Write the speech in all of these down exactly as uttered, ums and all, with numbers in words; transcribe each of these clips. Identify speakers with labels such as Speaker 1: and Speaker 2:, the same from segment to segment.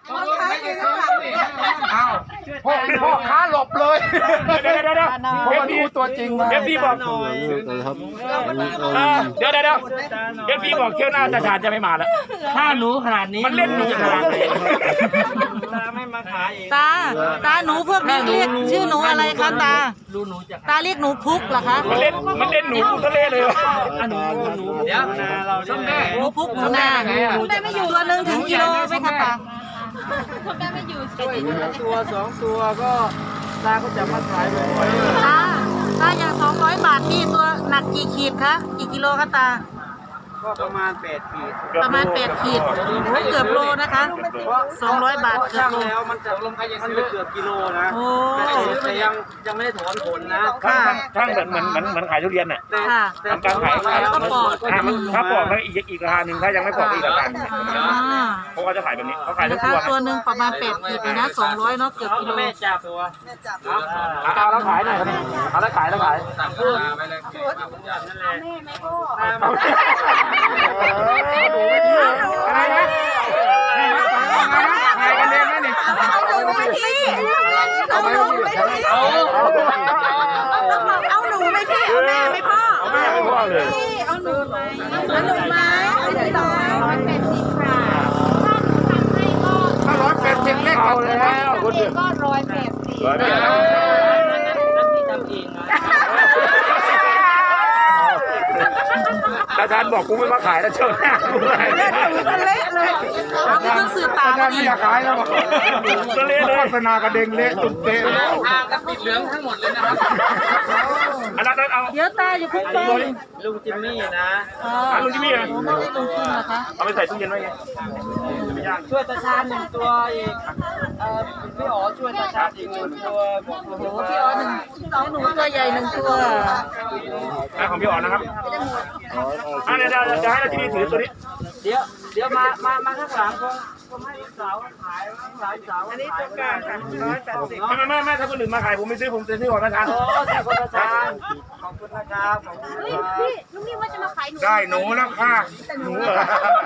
Speaker 1: อ้าวพ่อพ่อค้าหลบเลยเดี๋ยวเดี๋ยวเดี๋ยวเพราะว่ารู้ตัวจริงมาเอฟซีบอกเดี๋ยวเดี๋ยวเดี๋ยวเอฟซีบอกเที่ยวหน้าตาชาญจะไม่มาแล้ว
Speaker 2: ถ้าหนูขนาดนี้
Speaker 1: มันเล่นหนูขนาดไหน
Speaker 2: ตาไม่มาขายเอง
Speaker 3: ตาตาหนูพวกนี้เรียกชื่อหนูอะไรคะตาตาเรียกหนูพุกเหรอคะ
Speaker 1: มันเล่นมันเล่นหนูทะเลเลย
Speaker 2: หนูหนูเดี๋ยวเราจะ
Speaker 3: หนูพุกหนูนาตัวหนึ่งถึงกิโลไหมคะตา
Speaker 2: ตัวสองตัวก็ตาก็จะมาขายบ่อย
Speaker 3: ๆตาตาอย่างสองร้อยบาทนี่ตัวหนักกี่ขีดคะกี่กิโลคะตา
Speaker 2: ก็ประมาณแปดขีด
Speaker 3: ประมาณแปดขีดเกือบโลนะคะสองร้อยบาทเกือบโล
Speaker 2: แล้วมันจะมันจะเกือบกิโลนะแต่ยังยังไม่ได้ถอนผลนะ
Speaker 3: ค่ะ
Speaker 1: ช่างเหมือนเหมือนเหมือนเหมือนขายทุเรียนน่ะ
Speaker 3: ค่ะ
Speaker 1: ทำการขายขาย
Speaker 3: แล้วก็ปอก
Speaker 1: ถ้าปอกแล้วอีกอีกราคาหนึ่งถ้ายังไม่ปอกอีกราคาหนึ่งเพราะเขาจะขายแบบนี้เขาขายทุกตัว
Speaker 3: ตัวหนึ่งประมาณแปดขีดเลยนะสองร้อยเนาะเกือบกิโล
Speaker 2: แม่จับตัว
Speaker 1: เอาแล้วขายหน่อยเอาแล้วขายแล้วขายอะไรนะขายกันเองไหมนี่เอาไปเอา
Speaker 3: เอาหนูไม่พี่เอาแม่ไม่พ่อ
Speaker 1: เอาแม่ไม่พ่อเลย
Speaker 3: เอาหนูไหมเอาหนูไหมไม่ได้ร้อยแปดสิบค่ะ
Speaker 1: ถ้าร้อยแปดสิบเลขเอาแล้ว
Speaker 3: คุณเด็กก็ร้อยแปดสิบ
Speaker 1: ร้อยแปดสิบตาชาญบอกกูไม่มาขายแล้วเชิญหน้ากูเลย
Speaker 3: เละเลยเอาไม่ต้องสื่อตา
Speaker 1: ไม่อยากขายแล้วบอกเละเลยโฆษณากระเด้งเละตุ่มเตะ
Speaker 2: อ่างกับปิดเหลืองทั้งหมดเลยนะครับ
Speaker 1: อันนั้นเอา
Speaker 3: เดี๋ยวตาอยู่พุ่งไป
Speaker 2: ลุงจิมมี่นะ
Speaker 1: ลุงจิมมี่อ่ะ
Speaker 3: ไม่ได้ลุงจิมนะคะ
Speaker 1: เอาไปใส่ตู้เย็นไว้ไง
Speaker 2: ช่วยตาชาญหนึ่งตัวอีกพี่อ๋อช่วยตาชาญอีกหนึ่งตัวบอกโอ้โห
Speaker 3: พี่อ๋อหนึ่งสองหนูตัวใหญ่หนึ่งตัว
Speaker 1: ของพี่อ๋อนะครับอ่าเดี๋ยวเดี๋ยวจะให้เราที่นี่ถือตัวนี้
Speaker 2: เดี๋ยวเดี๋ยวมามามาข้างหลังคงคงให้สาวขายสาวสาว
Speaker 3: อันนี้ตัวกลางค่ะร้อยแปดสิบ
Speaker 1: ไม่ไม่ไม่ถ้าคนอื่นมาขายผมไม่ซื้อผมจะซื้อของตาชาญ
Speaker 2: โอ้ขอบคุณตาชาญขอบคุณนะครับขอบคุณ
Speaker 3: พี่ลุงนี่ว่าจะมาขายหนู
Speaker 1: ได้หนูแล้วค่ะหนูเหรอ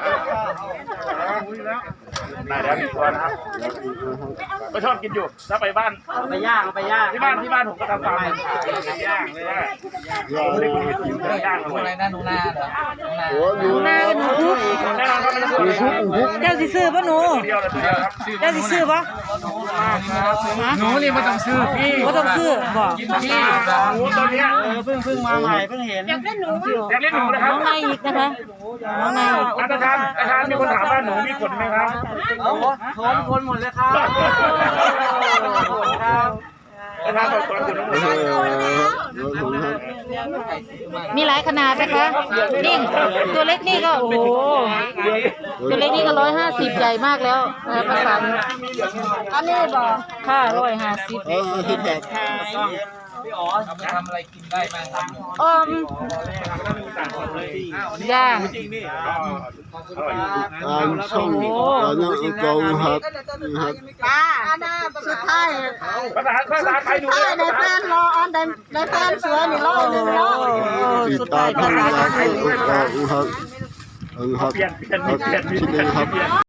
Speaker 1: ได้แล้วมีตัวนะครับก็ชอบกินอยู่ถ้าไปบ้าน
Speaker 2: ไปย่างไปย่าง
Speaker 1: ที่บ้านที่บ้านผมก็ทำฟาร์มย่างเลยนะไม่ได้คุยกันอยู่ย่าง
Speaker 2: อะไรนะหนูนาเหรอ
Speaker 3: หนูนาหนูพุก
Speaker 1: แน่นอนครับไม่ได้พูด
Speaker 3: เจ้าสิซื้อปะหนูเจ้าสิซื้อปะ
Speaker 1: หนูนี่ไม่ต้องซื้อพี่
Speaker 3: ไม่ต้องซื้อบอก
Speaker 1: พี่หนูตัวนี้
Speaker 2: เพิ่งเพิ่งมาใหม่เพิ่งเห็น
Speaker 3: อยากเล่นหนู
Speaker 1: อยากเล่นหนูนะครับ
Speaker 3: น้องนายอีกนะคะน้องนาย
Speaker 1: อาจารย์อาจารย์มีคนถามว่าหนูมีขนไหมครับ
Speaker 2: โอ้โหถอนคนหมดเลยครับครับ
Speaker 1: อาจารย์บอกก่อนอยู่ทั้งหมด
Speaker 3: มีหลายขนาดนะคะนิ่งตัวเล็กนี่ก็โอ้โหตัวเล็กนี่ก็ร้อยห้าสิบใหญ่มากแล้วประสานอันนี้บอกค่ะร้อยห้าสิบ
Speaker 2: พี่อ๋อทำอะไรกินได้บ้างครับ
Speaker 3: อมย่าง
Speaker 4: ตามช่องตอนนั้นกองครับ
Speaker 3: ป้าสุดท้าย
Speaker 1: ภาษาภาษาไทยดู
Speaker 3: ในแฟนรออันในในแฟนสวยนี่รอหนึ่งรอสุดท้ายภาษาไทย
Speaker 4: ครับครับ
Speaker 1: เปลี่ยนเปลี่ยนเปลี่ยนเปลี่ยน